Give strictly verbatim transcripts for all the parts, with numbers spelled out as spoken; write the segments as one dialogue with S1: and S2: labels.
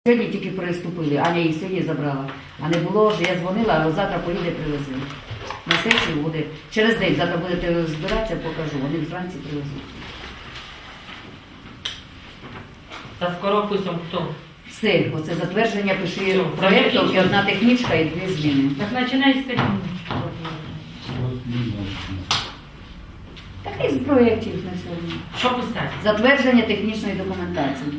S1: Сьогодні тільки приступили, Аня їх сьогодні забрала. А не було, що я дзвонила, а завтра поїде привезли. На сесію буде. Через день, завтра будете збиратися, покажу. Вони вранці привезуть.
S2: Та скоро писом хто?
S1: Все, оце затвердження пиши проєктів і одна технічка і дві зміни.
S2: Так починай з технічки.
S1: Так із проєктів на сьогодні.
S2: Що писати?
S1: Затвердження технічної документації.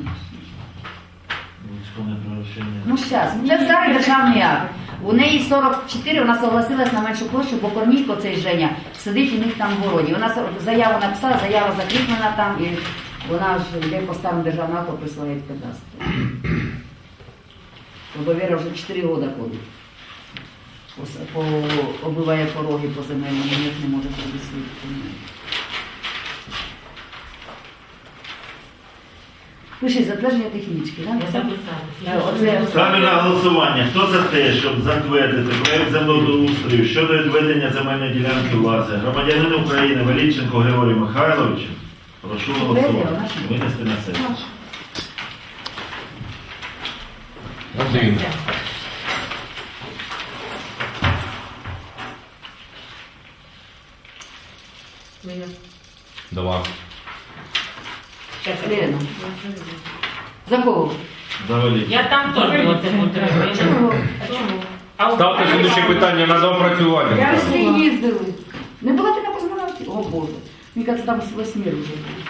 S1: Ну, зараз. Це старий державний акт. У неї сорок чотири, вона согласилась на меншу площу, бо Корнійко, цей Женя, сидить у них там в городі. Вона заяву написала, заява закріплена там, і вона ж йде по старому державному акту присилає в кадастр. Довіра вже чотири роки ходить. По, по, оббиває пороги по земельному, ніяк не може зробити свій документ. Пиши затвердження технічки, так?
S2: Я записала.
S3: Ставлю на голосування. Хто за те, щоб затвердити проєкт землеустрою щодо відведення земельної ділянки власне громадянину України Величенко Григорію Михайловичу? Прошу голосувати. Винести на сесію.
S4: Один. Два.
S1: Лена. За кого?
S3: За Величенко.
S2: Я там теж було це потрібно.
S1: Чого?
S2: А у-
S4: Ставте слідуюче питання на доопрацювання.
S1: Я всі їздили. Не була ти на космонавті? О Боже. Мені кажется, там з восьми вже.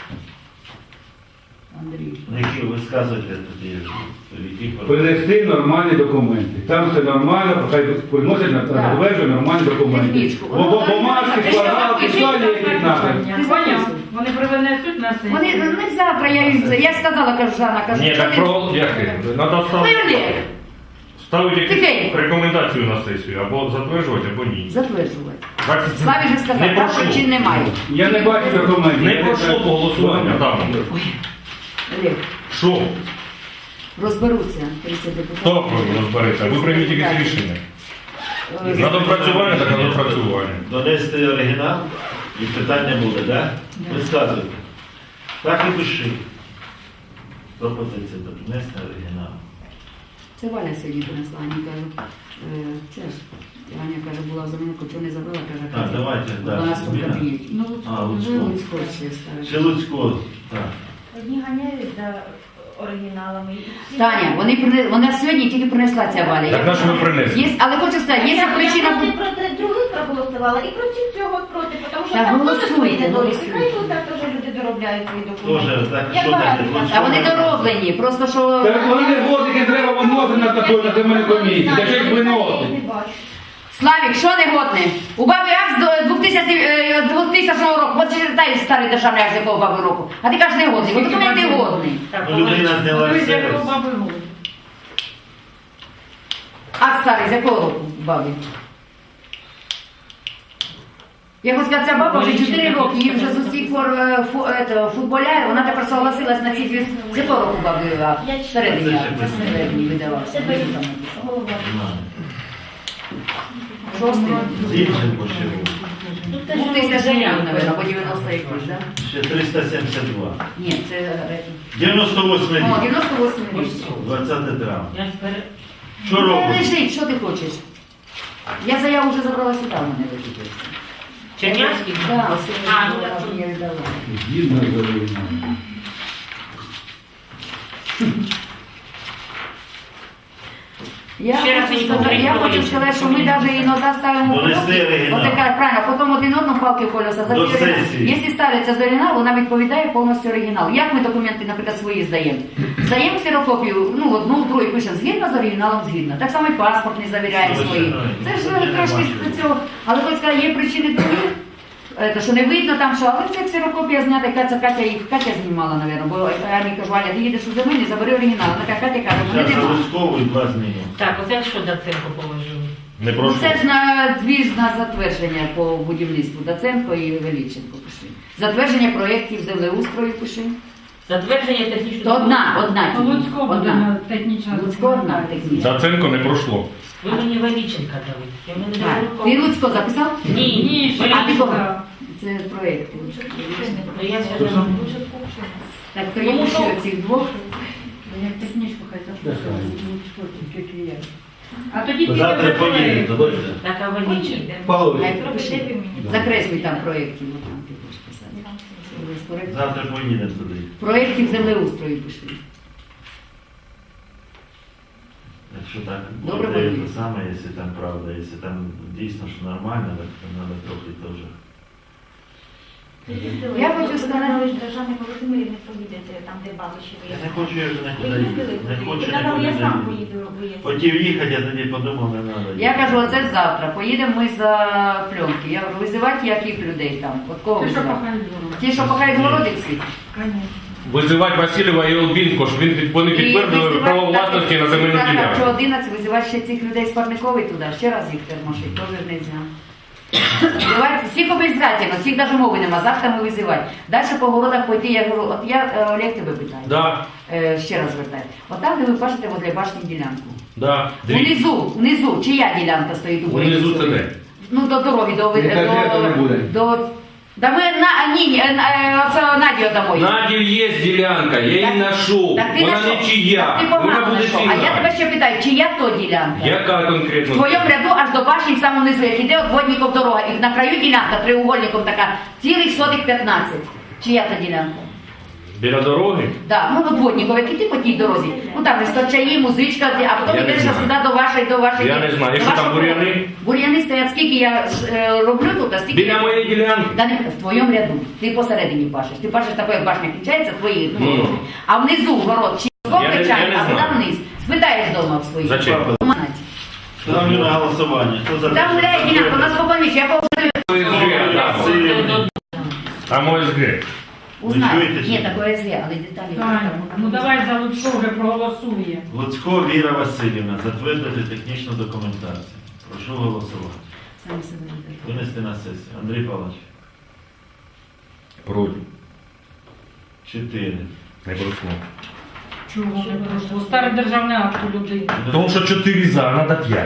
S1: Андрій.
S3: Які ви сказуєте тут є? Які
S5: Принести нормальні документи. Там все нормально, хай приносять на затвердження нормальні документи.
S1: Технічку.
S5: Бо бумажки, квадрати, все є як надо.
S2: Поняв? Вони привинесуть на сесію.
S1: Вони не завтра, я їм це. Я сказала, кажу, Жанна, кажу,
S4: Ні,
S1: що
S4: так
S1: ти-
S4: про яке? Надо ставити,
S1: Виявляй.
S4: ставити якусь
S1: Тихенько.
S4: рекомендацію на сесію, або затверджувати, або ні.
S1: Затверджувати.
S4: Так,
S1: Славі вже сказав,
S4: не
S1: там
S4: пройшло.
S1: причин немає.
S5: Я не бачу документів.
S4: Не пройшло по голосуванню, там.
S1: Олег,
S4: Що?
S1: розберуться тридцять депутатів.
S4: Хто розбереться? Ви прийміть якесь рішення.
S1: Е,
S4: На допрацювання, так на допрацювання.
S3: Донести оригінал і питання буде, так? Да? Ви сказуєте. Так і пиши. Пропозиція донести оригінал.
S1: Це Валя сьогодні принесла, Аня каже, е, це ж, Аня каже, була в замінку, чого не забрала, каже,
S3: Так, давайте,
S1: вона
S3: да,
S1: нас тут
S3: зміна.
S1: кабінеті. Ну,
S3: А, Луцько.
S1: Луцько ще ставить.
S3: Ще Луцько, так.
S6: Одні ганяють за оригіналами.
S1: Таня, вони, прине- вона сьогодні тільки принесла ця Валя.
S4: Так на що ви принесли?
S1: Є, але хочу сказати, є
S6: Я
S1: причина...
S6: проти проти других проголосувала і проти цього проти, тому що
S1: Так,
S6: там теж
S1: голосуйте,
S6: свої недоліки.
S1: голосуйте.
S6: Хай тут так теж люди доробляють свої
S3: Тоже,
S6: документи.
S3: так,
S6: Я
S3: що
S6: багато
S3: таке?
S6: бачу.
S1: А вони дороблені, просто що...
S5: Так вони годики треба виносити на таку на земельну комісію. Та що їх
S6: Я
S5: виносить?
S6: не бачу.
S1: Славік, що не годне? У баби акт з двохтисячного року, от читай старий державний акт з якого баби року. А ти кажеш не годний, бо документи годний.
S2: Так,
S3: Ну, людина зняла
S2: ви з
S3: все.
S2: якого баби годі?
S1: Акт старий з якого року баби? Я хочу сказати, ця баба вже чотири роки, їй вже з усіх пор е, фу- ето, футболяє, вона тепер согласилась на ці дві... З якого року баби акт?
S6: Я
S1: Всередині
S3: читаю.
S1: акт, всередині видавався.
S6: Це
S1: Внизу там
S6: голова.
S1: написано. Шостий.
S3: Зінченко ще був.
S6: Тут теж
S1: Ну, тисяча гривень, мабуть, або дев'яносто якось, так?
S3: Ще триста сімдесят два.
S1: Ні, це... е,
S3: дев'яносто восьмий
S1: О,
S3: рік.
S1: дев'яносто восьмий рік.
S3: двадцяте травня.
S2: Я ж пере...
S3: Що
S1: Де
S3: робиш?
S1: лежить, що ти хочеш? Я заяву вже забрала сюди, в мене лежить.
S2: Чернявський?
S1: Так, ось
S2: А,
S1: я
S2: ну,
S1: вона
S2: так.
S1: ж мені віддала.
S5: Згідно з оригіналом.
S1: Я
S2: Ще раз
S1: хочу
S2: мені
S1: сказати,
S2: повторіть,
S1: я хочу
S2: Володя.
S1: сказати, що ми навіть іноді ставимо
S3: Донести
S1: кнопки,
S3: оригінал.
S1: от така, правильно, потім один одному палки в колеса. За
S3: До
S1: цей оригінал.
S3: сесії.
S1: Якщо ставиться з оригіналу, вона відповідає повністю оригінал. Як ми документи, наприклад, свої здаємо? Здаємо ксерокопію, ну, одну, другу пишемо згідно з оригіналом, згідно. Так само і паспорт не завіряємо
S3: Що ви
S1: свої.
S3: знаєте?
S1: Це ж
S3: Це
S1: трошки
S3: нормально.
S1: з цього. Але хоч сказати, є причини другі. Це, що не видно там, що, але це ксерокопія знята, Катя, Катя, їх Катя знімала, мабуть, бо я мені кажу, Аня, ти їдеш у землі, забери оригінал. Вона така Катя каже, вони
S3: Зараз
S1: нема.
S3: Луцькову і два зміни.
S2: Так, оце що Даценко положили?
S4: Не
S1: Ну,
S4: пройшло.
S1: це ж на дві ж на затвердження по будівництву Даценко і Величенко пиши. Затвердження проєктів землеустрою пиши.
S2: Затвердження технічної...
S1: То одна, одна. тільки.
S7: Луцько буде
S1: Одна.
S7: на технічна.
S1: Луцько одна технічна.
S4: Даценко не пройшло.
S2: Ви мені Величенка дали. Я мене
S1: Так.
S2: дали
S1: Ти
S2: руку.
S1: Луцько записав?
S2: Ні,
S7: Ні, ще
S1: А ти кого?
S7: не
S1: Це проєкти.
S2: Ну, я сьогодні...
S1: Так, то я ще цих двох.
S7: Як технічку хай запишуть. А тоді піде
S3: Завтра
S7: вже проект.
S3: поїдете, дойдете.
S2: Так, а Валіченка?
S5: Павлович.
S1: Хай пропиши. Закреслюй там проєктів, ну, там ти будеш писати. Проєкт-
S3: Завтра поїдемо туди.
S1: Проєктів землеустрою пиши.
S3: Якщо так
S1: Добре,
S3: буде
S1: Валерій.
S3: те саме, якщо там правда, якщо там дійсно що нормально, так то треба трохи теж.
S1: Я хочу сказати-
S6: ви ж державний Володимирі не поїдете, там де бабуші
S3: Я
S6: ви.
S3: не хочу, я вже
S6: Ви
S3: нікуди
S6: їздили
S3: їхати. Не
S6: туди?
S3: хочу
S6: Ви казали, я
S3: нікуди
S6: сам
S3: їхати.
S6: поїду, робити.
S3: Хотів їхати, я тоді подумав, не треба.
S1: Я кажу, оце завтра. Поїдемо ми за пленки. Я говорю, визивати яких людей там? От кого
S7: Ти що
S1: визивати?
S7: пахають?
S1: Ті, що пахають городиці?
S4: Визивати Васильєва і Олбінського, щоб він під- вони підтвердили право власності на земельну
S1: Так,
S4: ділянку.
S1: що одинадцять визивати ще цих людей з Парникової туди, ще раз їх термошить, теж не знаю. Визивайте, всіх обов'язательно, всіх навіть мови нема, завтра ми визивати. Далі по городах пойти, я говорю, от я, е, Олег, тебе питаю.
S4: Да,
S1: Е, ще раз звертаю. От там, де ви бачите возле башні ділянку.
S4: да. Дві.
S1: Внизу, внизу, чия ділянка стоїть у
S4: Внизу це де?
S1: Ну, до дороги, до...
S5: Не кажи, а то не буде.
S1: до, Да ми на, ні, ні, е, е, це Наді дамо.
S4: Надів є ділянка, я її знайшов.
S1: Так ти
S4: Вона
S1: знайшов.
S4: не чия.
S1: Так ти
S4: Вона
S1: погано
S4: буде
S1: знайшов. А я
S4: ціна.
S1: тебе ще питаю, чия то ділянка?
S4: Яка
S1: В
S4: конкретно?
S1: твоєму ряду аж до башні в самому низу, як іде от водників дорога, і на краю ділянка треугольником така, цілих сотих п'ятнадцять. Чия та ділянка?
S4: Біля дороги?
S1: Да, ну от водників, як іти по тій дорозі. Ну там стачаї, музичка, а потім
S4: Я не
S1: йдеш
S4: знаю.
S1: сюди до вашої, до вашої.
S4: Я не знаю.
S1: до
S4: Якщо там
S1: вашого
S4: бур'яни?
S1: дому. Бур'яни стоять, скільки я е, роблю тут, а стільки...
S4: Біля моєї ділянки.
S1: Да не в твоєму ряду. Ти посередині пашеш. Ти пашеш такою, як башня кінчається, твої. Ну,
S4: Ну.
S1: а внизу город чи
S4: Я не- я
S1: качає,
S4: не
S1: а туди
S4: знаю.
S1: вниз. Спитаєш вдома в своїх.
S4: Зачем?
S3: Ставлю на голосування. Хто за те,
S1: Там
S3: щоб
S1: гуляє ділянка, у нас
S3: затвердити?
S1: спокійніше, я повторюю.
S4: ОСГ, да.
S3: Васильєв.
S4: Там ОСГ.
S1: Узнаю.
S3: чуєте,
S1: Ні,
S3: чи?
S1: такое СГ, але деталі.
S7: Таня, ну давай за Луцько вже проголосує.
S3: Луцько Віра Васильівна, затвердити технічну документацію. Прошу голосувати.
S1: Самі себе виберіть.
S3: Винести на сесію. Андрій Павлович.
S4: Проти.
S3: Чотири.
S4: Не пройшло.
S7: Чого не пройшло? Старий державний акт у людей.
S4: Тому що чотири за, а треба п'ять.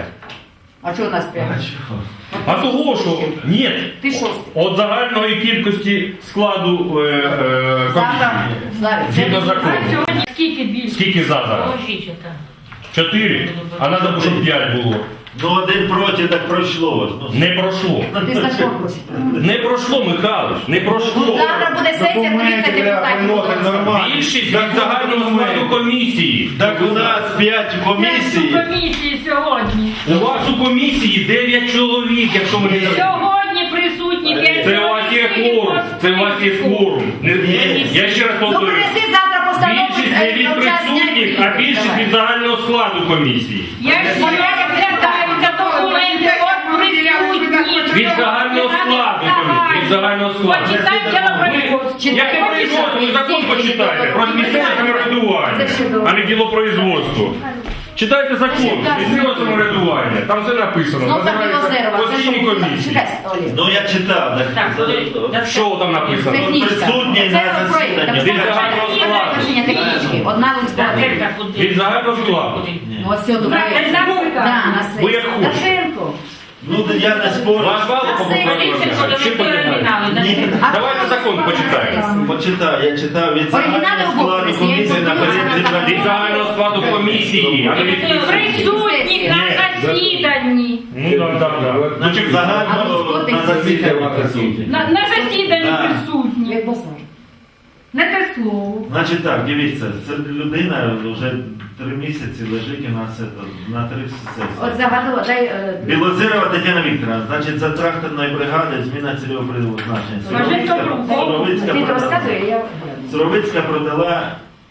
S1: А чого у нас
S3: А
S1: прямо?
S3: чого?
S4: А того, що ні,
S1: Ти шостий.
S4: от загальної кількості складу е, е,
S1: Завтра,
S4: комісії.
S1: Славі,
S4: Згідно
S1: це-
S4: закону.
S7: А сьогодні скільки більше?
S4: Скільки за зараз?
S2: Положителька.
S4: Чотири. А треба, щоб п'ять було.
S3: Ну один проти, так пройшло. Ну,
S4: Не пройшло.
S1: Ти закон прочитав.
S4: Не пройшло, Михайлович, не
S1: Ну,
S4: пройшло.
S1: завтра буде сесія, тридцять депутатів.
S3: нормально.
S4: Більшість від загального складу комісії.
S3: Так у нас п'ять
S7: У
S3: комісій.
S7: комісії сьогодні.
S4: У вас у комісії дев'ять чоловік, якщо ми не
S7: Сьогодні присутні п'ять.
S4: Це у вас є кворум. Це у вас є кворум. Не- Я ще раз
S1: Ну,
S4: повторюю.
S1: принеси завтра постанову.
S4: Більшість не від
S1: е, час
S4: присутніх,
S1: зняти.
S4: а більшість
S1: Давай.
S4: від загального складу комісії.
S7: Я ж сьогодні звертаюся документи от присутні.
S4: Від загального складу комісії. Від загального складу.
S7: Почитай ділопроизводство.
S4: Яке производство? Ви закон почитайте. Про місцеве самоврядування, а не ділопроизводство. Читайте закон, місцеве самоврядування. Там все написано.
S1: Знов так
S4: Називається
S1: Білозерова. Це
S4: постійні
S1: що?
S4: комісії.
S1: Чекай, Олег.
S3: Ну я читав.
S2: Так,
S3: Так,
S2: подожди.
S4: Що там написано?
S1: Технічка.
S3: присутній
S1: Це
S3: на
S1: проект.
S3: засіданні.
S1: Так,
S4: Від
S1: це
S4: загального
S1: є
S4: складу.
S1: рішення технічки. Одна листа.
S2: Закритка куди?
S4: Від загального складу.
S1: Ну, ось все, добре.
S7: Так, це наука.
S1: Да, на
S4: Ви як
S1: сесії.
S4: хочете.
S1: Дашенко.
S3: Ну я не спорю.
S4: Ваш бал по
S2: Валіченко,
S4: Чи
S2: до
S4: почитаєте?
S2: оригінали.
S3: Ні.
S1: А
S4: Давайте
S1: хто
S4: закон
S1: голосував
S4: почитаємо.
S1: на сесії?
S3: Почитав, я читав від
S1: Оригінали
S3: загального
S1: в
S3: складу
S1: описі,
S3: комісії
S1: я
S3: на
S1: їх
S3: порядку
S1: подивилася на
S4: Від загального складу комісії, а не від присутніх.
S7: Присутні на засіданні.
S4: Ну так, так, так. Ну,
S3: Значить,
S4: чи-
S3: загально на засіданні присутні.
S7: На, на засіданні
S3: Да.
S7: присутні.
S1: Як босар.
S7: Не те слово.
S3: Значить так, дивіться, це людина вже три місяці лежить у нас це, на три
S1: От
S3: сесії.
S1: загадувала, дай... е,
S3: Білозерова Тетяна Вікторовна, значить, за тракторної бригади зміна цільового призначення.
S7: Скажи,
S3: Суровицька-
S7: добру.
S3: Суровицька
S1: Ти
S3: продала-
S1: розказує, я...
S3: Суровицька продала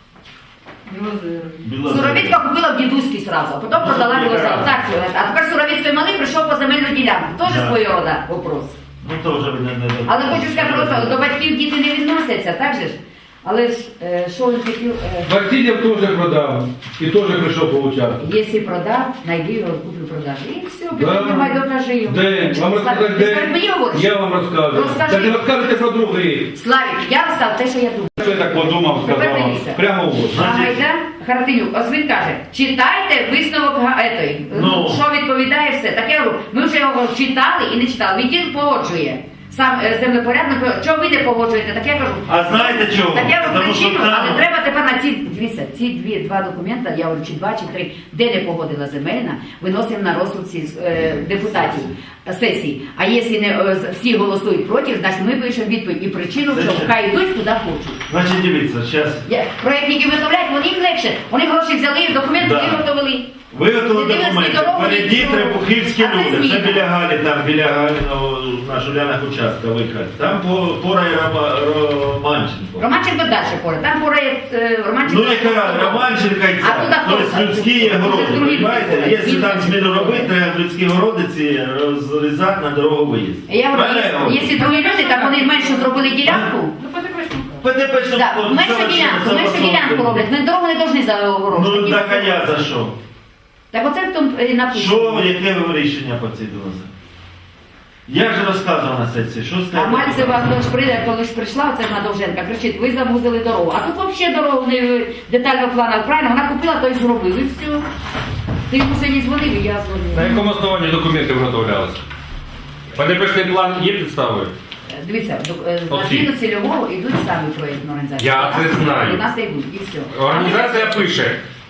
S3: Білозеру.
S1: Суровицька купила в дідуській сразу, а потім продала Білозеру. Так, а тепер Суровицький малий прийшов по земельну ділянку. Теж
S3: Да.
S1: свого рода вопрос.
S3: Ну то вже ви не... не-
S1: Але хочу сказати просто, до батьків діти не відносяться, так же ж? Але ж, е, що він хотів, е,
S5: Васильєв теж продав. І теж прийшов поучаствувати.
S1: якщо продав, найди його, куплю продажу. І все,
S5: Да.
S1: питання немає, докажи його.
S5: Де? Вам розказати,
S1: Ти скажи,
S5: де?
S1: мені говориш?
S5: Я вам розказую.
S1: Розкажи.
S5: Так не розкажете про другий.
S1: Славік, я розказав те, що я думаю.
S5: Що я так подумав, сказав вам.
S1: Дивіться.
S5: Прямо в очі.
S1: А Гайда Харатинюк, ось він каже, читайте висновок га- етої.
S3: Ну.
S1: Що відповідає все. Так я говорю, ми вже його читали і не читали. Він тільки погоджує. сам е, землепорядник, чого ви не погоджуєте? Так я кажу,
S3: А знаєте чого?
S1: так я кажу
S3: Тому що
S1: причину, але
S3: там...
S1: треба тепер на ці, дивіться, ці дві, два документи, я говорю, чи два, чи три, де не погодила земельна, виносимо на розсуд ці, е, депутатів е, сесії. А якщо не, е, всі голосують проти, значить ми пишемо відповідь і причину,
S3: Це
S1: що
S3: ще-
S1: хай йдуть куди хочуть.
S3: Значить, дивіться, зараз
S1: Я- Проєктники виготовляють, вони їм легше. Вони гроші взяли, документи
S3: Да.
S1: виготовили.
S3: виготовили
S1: Не дивились ні
S3: документи.
S1: дороги,
S3: Впереді
S1: нічого.
S3: Требухівські
S1: А це
S3: люди. Це
S1: зміна.
S3: біля Галі, там біля Галіного, на Жулянах участка вихід. Там по, пора і Рома- Романченко.
S1: Романченко далі поруч. Там поруч е, Романченко.
S3: Ну яка Романченка і
S1: А туди
S3: ця.
S1: хто?
S3: Тобто людські є городи,
S1: Це другі
S3: розумієте?
S1: люди.
S3: Якщо там зміну робити, треба людські городи ці розрізати на дорогу виїзд.
S1: Я говорю,
S3: Правильно я
S1: якщо-
S3: говорю?
S1: якщо другі люди, так вони менше зробили ділянку.
S3: ПДП, що
S1: Так,
S3: по-
S1: менше
S3: совершенно
S1: ділянку, менше
S3: согласовано.
S1: ділянку роблять. Ми дорогу не повинні за
S3: Ну
S1: огорожувати.
S3: так а я за що?
S1: Так оце в тому і написано.
S3: Що, яке ви рішення по цій дорозі? Я ж розказував на сесії, що
S1: А
S3: стало?
S1: Мальцева, коли ж прийде, коли ж прийшла, оце вона Довженка, кричить, ви завузили дорогу. А тут взагалі дорогу не детально плану. Правильно, вона купила, то й зробили, і все. Ти йому сьогодні дзвонив, і я
S4: На
S1: дзвонила.
S4: якому основанні документи виготовлялися? ПДПшний план є підставою?
S1: Дивіться, до- е, на
S4: Оці.
S1: зміну цільового йдуть самі проєктні організації.
S4: Я це знаю.
S1: У нас йдуть, і все.
S4: Організація пише,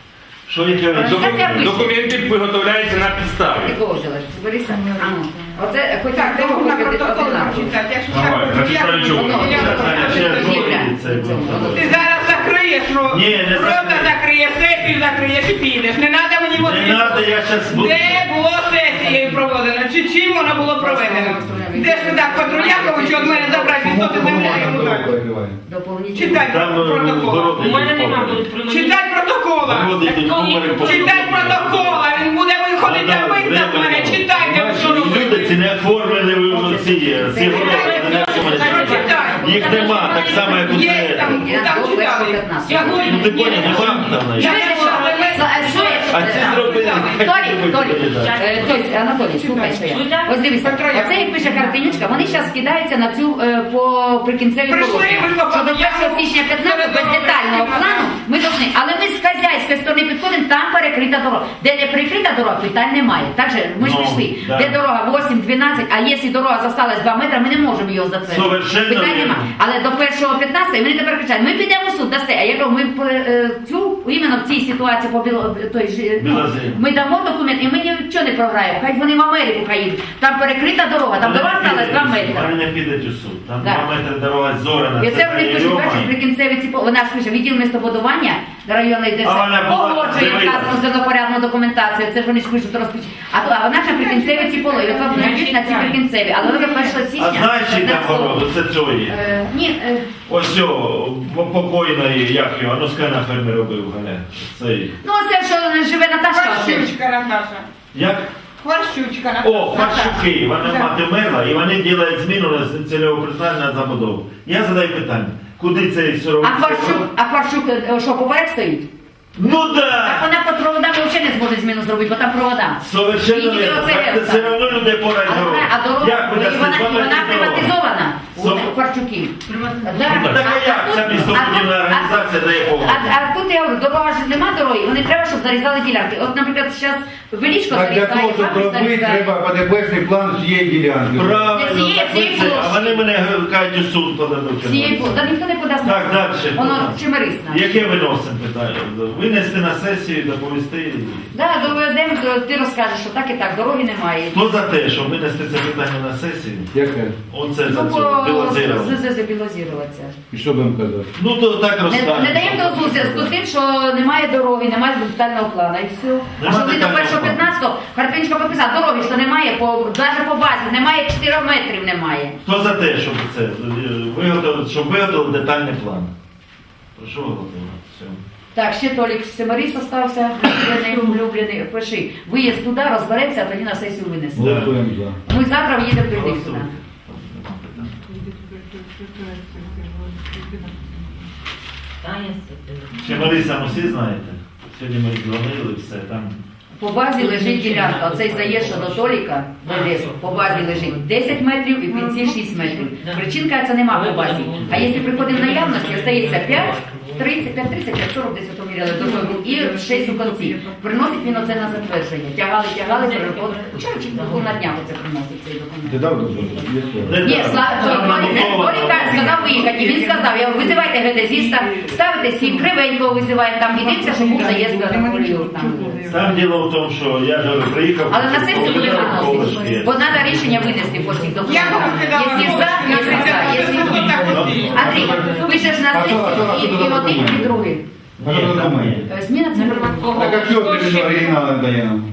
S3: Що яке
S1: Організація
S3: рішення?
S1: пише.
S4: документи виготовляються на підставі.
S1: Якого взяла? Бориса? А ну. Оце, хоч
S2: Так,
S1: того,
S2: треба на
S1: хоч
S2: протокол
S1: одинаково.
S2: читати. Якщо
S4: Давай,
S2: так,
S4: на підставі
S2: я-
S4: чого?
S1: Воно,
S2: я-
S3: Таня, ще раз
S1: Ні,
S3: говорить, це
S1: бля.
S3: було.
S2: Ти зараз закриєш, що
S3: Ні, не
S2: рота
S3: закрию.
S2: закриєш, сесію закриєш і підеш. Не треба мені
S3: Не
S2: водити.
S3: треба, я зараз буду.
S2: Де було сесією проведено? Чи чим воно було проведено? Де ж ви так Патруляковичу від мене забрати відсоти землі йому дати?
S1: Доповнительно.
S2: Читай
S3: Там е,
S2: протокол.
S3: городи
S7: У мене нема
S3: йдуть
S7: тут при мені.
S2: Читай протокола.
S3: Городи йдуть комори по-
S2: Читай протокола. Він буде виходити
S3: А,
S2: на
S3: да,
S2: вийти з мене.
S3: де
S2: Читай, де ви що
S3: Люди
S2: робите.
S3: ці не оформлені ви ці, ці городи. не оформлені. Їх нема, так само, як у
S2: Є
S3: це.
S2: там,
S1: Я
S2: там
S1: до
S2: читали.
S1: п'ятнадцятого.
S2: Сьогодні
S3: Ну ти поняв, не вам там
S2: Я
S3: навіть.
S1: Чуєте, що? Е, що є?
S3: А ці зробили.
S1: Толік, Толік, е, тобто, Анатолій, слухай, що я. Ось дивіться, оце як пише картинючка, вони зараз кидаються на цю е, по прикінцевій
S2: Прийшли,
S1: положення.
S2: ви
S1: Що до
S2: попали, я
S1: першого січня п'ятнадцятого без детального плану ми повинні, але ми з хазяйської сторони підходимо, там перекрита дорога. Де не перекрита дорога, питань немає. Так же, ми ж
S3: Ну,
S1: пішли,
S3: да.
S1: де дорога вісім дванадцять, а якщо дорога залишилась два метри, ми не можемо його затвердити.
S3: Совершенно
S1: Питань
S3: вірно.
S1: немає. Але до першого п'ятнадцятого вони тепер кричать, ми підемо в суд, дасте. А я кажу, ми е, цю, іменно в цій ситуації по біло, той, ж, ну,
S3: Білозері.
S1: ми дамо документ і ми нічого не програємо. Хай вони в Америку хай їдуть. Там перекрита дорога, там
S3: Вони
S1: дорога
S3: не
S1: сталася два
S3: підуть у суд,
S1: метри.
S3: Вони не підуть у суд. Там
S1: Да.
S3: два метри дорога зорана.
S1: І це вони пишуть, бачиш, прикінцеві ці, по- вона ж пише, відділ містобудування районної
S3: А вона
S1: ДС
S3: була-
S1: погоджує
S3: дивися.
S1: вказану землепорядну документацію. Це ж вони ж пишуть розпіч. А, то- а вона ж на прикінцеві ці поли. От вони йдуть на ці прикінцеві. Але вже першого січня.
S3: А знаєш, чий там
S1: п'ятнадцятого.
S3: город? Це цієї.
S1: Е, Ні, е,
S3: Ось цього, покойної, як його, а ну скажи на фермі робив, Галя. Цей.
S1: ну це що живе Наташка. оце.
S2: Хварщучка, Наташа.
S3: Як?
S2: Хварщучка, Наташа.
S3: О, Харчуки, вона
S2: Да.
S3: мати мерла, і вони роблять зміну на цільового призначення на забудову. Я задаю питання, куди цей сировий?
S1: А Кварчук, а Кварчук е, що, поперек стоїть?
S3: Ну
S1: Так
S3: да!
S1: вона по проводам взагалі не зможе зміну зробити, бо там провода.
S3: Совершенно
S1: Її
S3: вірно.
S1: не
S3: Так
S1: розселяться.
S3: все одно людей порають
S1: А,
S3: дорогу.
S1: а дорога,
S3: Як ви
S1: і
S3: дасте
S1: вона,
S3: два
S1: і вона
S3: метри дороги?
S1: приватизована у
S3: Со-
S1: Кварчуків. Да.
S3: Ну, так а як ця містобудівна
S1: а тут-
S3: організація дає
S1: а,
S3: погоду?
S1: а тут я говорю, дорога ж нема дороги, вони треба, щоб зарізали ділянки. От, наприклад, зараз Величко
S5: А для
S1: зарізає,
S5: того, щоб
S1: Папір
S5: робити,
S1: зарізає.
S5: треба ПДПшний план всієї ділянки.
S3: Правильно,
S1: Цієї-
S3: так ви
S1: цієї
S3: це, а
S1: площі.
S3: вони мене кажуть, у суд подадуть.
S1: Цієї бу- Та ніхто не подасть.
S3: Так, далі.
S1: Воно чимерисно.
S3: Яке виносимо питання? Винести на сесію, доповісти.
S1: Да, доведемо, то ти розкажеш, що так і так, дороги немає.
S3: Хто за те, щоб винести це питання на сесію?
S5: Яке?
S3: Оце за
S1: Ну,
S3: це білозировано.
S1: по ЗЗ білозіруватися.
S5: І що будемо казати?
S3: Ну то так
S1: Не,
S3: розставимо.
S1: не даємо дозволу в зв'язку з тим, що немає дороги, немає детального плану і все. А
S3: Нема
S1: що ви до
S3: детального
S1: першого
S3: плану.
S1: п'ятнадцятого Карпінчика підписав, дороги, що немає, по, навіть по базі, немає чотирьох метрів немає.
S3: Хто за те, щоб це е, виготовити, щоб виготовили детальний план? Прошу виготовити. Все.
S1: Так, ще Толік Семаріс остався, улюблений, улюблений. Пиши, виїзд туди, розберемося, а тоді на сесію винесемо.
S5: Голосуємо за.
S1: Ми завтра їдемо до них туди.
S3: Голосуйте. Чи Марисам усі знаєте? Сьогодні ми дзвонили, все там.
S1: По базі лежить ділянка, оцей заїзд до Толіка, до лісу, по базі лежить десять метрів і в кінці шість метрів. Причинка це нема по базі. А якщо приходить в наявності, остається п'ять, тридцять, п'ять тридцять, п'ять сорок, десь у тому розстріляли до того, і шість у кінці. Приносить він оце на затвердження. Тягали, тягали, переходили. Вчора чи було на днях оце приносить цей документ.
S5: Ти дав дозвіл? Є слово.
S1: Ні,
S3: Там набудовано.
S1: Боріка сказав виїхати, він сказав, я говорю, визивайте геодезіста, ставите сім, Кривенького визиваємо, там єдине, що був заїзд до Наполеон.
S3: Там діло в тому, що я ж говорю, приїхав.
S1: Але на сесію буде виносити,
S3: колишки.
S1: бо треба рішення винести по всіх
S2: Я
S1: документах.
S2: би кидала
S1: Якщо за, якщо за, якщо Андрій, пишеш на
S5: А що, а що, а що
S1: сесію і,
S5: це
S1: і один,
S5: документ?
S1: і другий.
S5: А що за документ?
S1: Е, Зміна це
S5: Так а що ти оригінал не дає нам?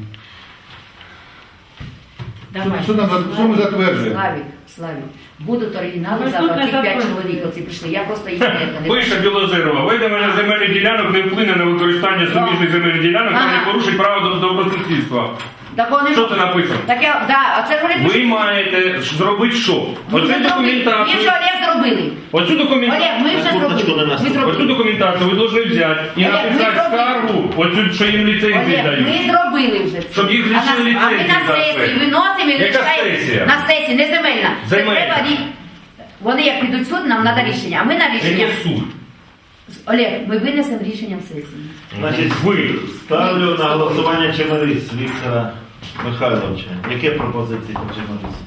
S5: Що, нам, що ми затверджуємо?
S1: Славік, Славік, будуть оригінали завтра, ці п'ять чоловік оці прийшли, я просто їх не не-
S4: Пише Білозерова, видавання земельних ділянок не вплине на використання суміжних земельних ділянок та не
S1: Ага.
S4: порушить право до добросусідства.
S1: Так вони
S4: Що це написано?
S1: Так я, да, а це вони
S4: Ви маєте зробити що? Оцю
S1: Ми вже
S4: документацію.
S1: Олег зробили.
S4: Оцю документацію.
S1: Олег, ми вже
S3: Курточку
S1: зробили.
S3: на нас.
S1: Ми
S4: Оцю
S1: зробили.
S4: документацію ви повинні взяти і
S1: Олег, ми
S4: написати
S1: зробили.
S4: скаргу, оцю, що їм ліцензії
S1: Олег,
S4: дають.
S1: ми зробили вже це.
S4: Щоб їх
S1: А на-
S4: лишили
S1: А ми
S4: ліцензії
S1: на
S4: за це.
S1: сесії виносимо і
S4: Яка
S1: лишаємо-
S4: сесія?
S1: На сесії, не земельна. Це
S4: Земельна.
S1: треба рі- Вони як підуть в суд, нам треба рішення. А ми на рішення.
S4: Яке суд?
S1: Олег, ми винесемо рішенням сесії.
S3: Значить,
S4: Ви.
S3: ставлю на голосування Чемерис Віктора Михайловича. Які пропозиції по Чемерису?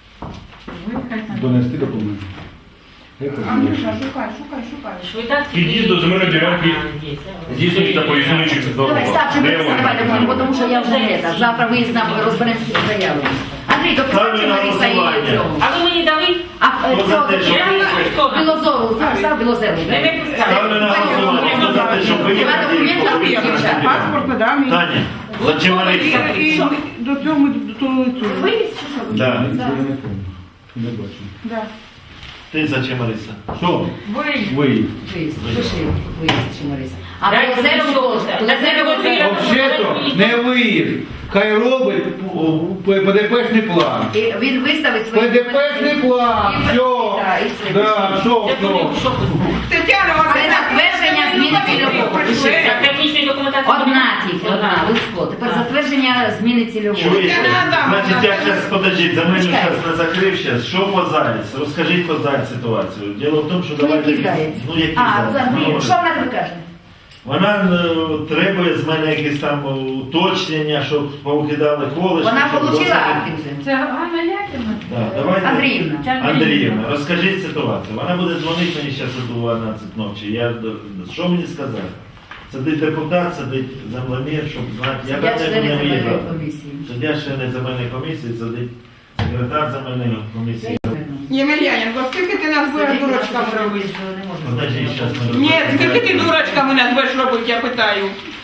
S5: Донести документи. Як це
S2: Андрюша,
S5: зробити?
S2: шукай, шукай, шукай.
S4: Під'їзд до земельної ділянки здійснюється по існуючих
S1: Давай, став,
S4: дорогах.
S1: Чемериса, давай допомогу, тому що я вже не так. Завтра виїзд розберемо всі заяви. Андрій, дописав
S3: Ставлю на
S1: Чемериса і
S3: голосування.
S1: цього.
S7: А ви мені дали?
S1: А е,
S3: Хто за
S1: цього
S3: те, щоб
S1: дописав Білозору, записав Білозеру.
S7: Не виписав.
S3: Ставлю на голосування. Хто за те, щоб
S1: Два
S3: виїхати?
S1: документи, дівчата.
S2: Паспорт, да, мій.
S3: Таня, за Чемериса.
S2: І, і до цього, до того, цього.
S1: Вивіз чи що?
S3: Да.
S5: Я не пам'ятаю. Не бачу.
S2: Да.
S3: Ти за Чемериса.
S5: Що?
S7: Ви.
S5: Ви.
S1: Виїзд, пиши виїзд Чемериса. А
S7: Дайте
S1: Білозеру,
S7: мені що це?
S1: Білозеру,
S7: Білозеру.
S5: Взагалі-то не виїзд. Хай робить ПДПшний план.
S1: І він виставить свої
S5: ПДПшний план. Все.
S1: Да, і все.
S5: Да, що, що?
S2: Тетяна,
S1: Це затвердження зміни цільового.
S7: Це технічної документації.
S1: Одна тільки, одна, Луцько. Тепер затвердження зміни цільового.
S3: Чуєте?
S2: Я надам.
S3: Значить, я зараз, подождіть, за мене
S1: Чекай.
S3: зараз не закрив зараз. Що по Заєць? Розкажіть по Заєць ситуацію. Діло в тому, що
S1: Ну,
S3: давайте...
S1: який Заєць?
S3: Ну, який
S1: А,
S3: Заєць?
S1: Андрій,
S3: Ну,
S1: що вона тобі каже?
S3: Вона е, требує з мене якісь там е, уточнення, щоб повикидали колишні.
S1: Вона
S3: щоб
S1: отримала
S3: досить-
S1: акти вже.
S7: Це Ганна Яківна.
S3: Да, давайте.
S1: Андріївна.
S3: Андріївна, розкажіть ситуацію. Вона буде дзвонити мені зараз о дванадцять ночі. Я, д- що мені сказати? Сидить депутат, сидить землемір, щоб знати. Я
S1: Я
S3: до
S1: члени
S3: тебе не
S1: земельної
S3: виїжджав.
S1: комісії.
S3: Суддя члени земельної комісії, сидить секретар земельної комісії.
S2: Ємельяненко, скільки ти нас будеш дурочками робити?
S3: Подожди, зараз ми
S2: Ні,
S3: розберемося.
S2: скільки ти дурочками нас будеш робити, я питаю.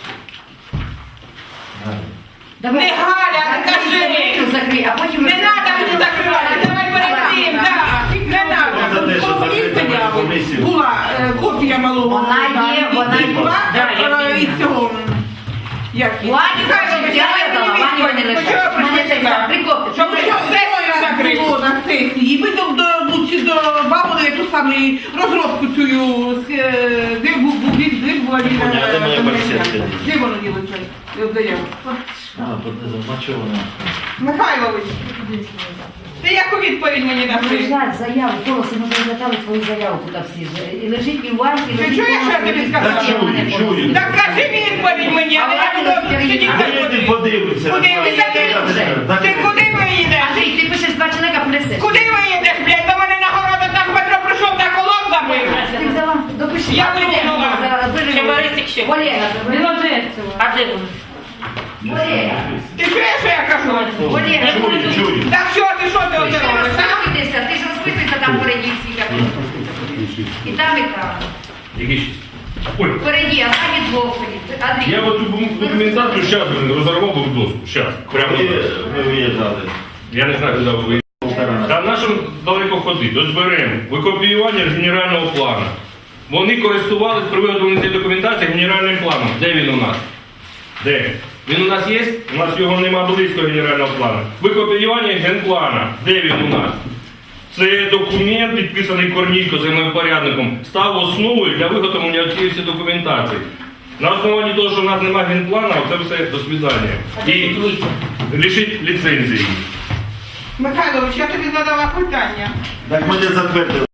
S1: Давай.
S2: Не Галя,
S1: Закрий
S2: кажи.
S1: земельну, закрий, а потім...
S2: Не треба мені закривати, давай перед цим, да. Не
S3: Хто за те,
S2: треба.
S3: щоб
S2: Коли
S3: закрити
S2: заяву
S3: земельну комісію?
S2: була е, копія малого.
S1: Вона є, вона є.
S2: Була,
S7: Да, я
S2: е, і цього. Як її?
S1: Вані,
S2: Михайлович,
S1: я
S2: давай
S1: не дала,
S2: мені
S1: Вані
S2: відповідь.
S1: не
S2: Почему
S1: лишає.
S2: прийшли
S1: Мене це
S2: сюди?
S1: так, прикопи.
S2: Щоб ви що сесію закрило на сесії. Ви до, до, до, чи до бабули ту саму розробку цю, е, де був, був, де була він,
S3: Поняла, де моя
S2: е,
S3: барсетка?
S2: де воно ділиться? Заяву.
S3: А, тут не знаю, а чого вона?
S2: Михайлович, ти яку відповідь мені даси?
S1: Лежать заяву, колоси, ми розглядали твою заяву тут всі ж. І лежить і в варті,
S2: Ти
S1: лежить
S2: чуєш, що я тобі сказала?
S3: Та чую, чую.
S2: Так кажи відповідь мені, а не я буду сидіти
S3: А ви
S2: ходити.
S3: подивитися.
S2: Куди ви
S1: вже?
S2: Ти куди ви їдеш?
S1: Андрій, ти пишеш два чоловіка, принесеш.
S2: Куди ви їдеш, блядь? До мене на городу там Петро прийшов та колон забив.
S1: Ти взяла, допиши.
S2: Я
S1: А ти де?
S2: вимкнула.
S1: Зараз виживу.
S7: Чемерисик ще.
S1: Олега,
S7: А де вони?
S1: Олега.
S2: Ти чуєш, що я кажу?
S1: Олега.
S3: Чую, чую.
S2: Так що ти, що ти
S1: Ти
S2: оце
S1: ж
S2: робиш? а?
S1: розписуйтеся, ти ж розписуйся там впереді всі. як ви. І там, і там.
S4: Які шість? Ой,
S1: Впереді, а там і двох. Андрій.
S4: я оцю документацію зараз розорвав би в доску. Зараз. Прямо
S3: Коли
S4: зараз.
S3: ви виїжджали?
S4: Я не знаю, куди ви виїхали. Та нашим далеко ходити, дозберемо викопіювання з генерального плану. Вони користувалися при виготовленні цієї документації генеральним планом. Де він у нас? Де? Він у нас є? У нас його нема близького генерального плану. Викопіювання генплана. Де він у нас? Це документ, підписаний Корнійко землевпорядником, став основою для виготовлення цієї всієї документації. На основанні того, що в нас немає генплану, це все до свидання. І лишить ліцензії.
S2: Михайлович, я тобі задала питання.
S3: Так ми не затвердили.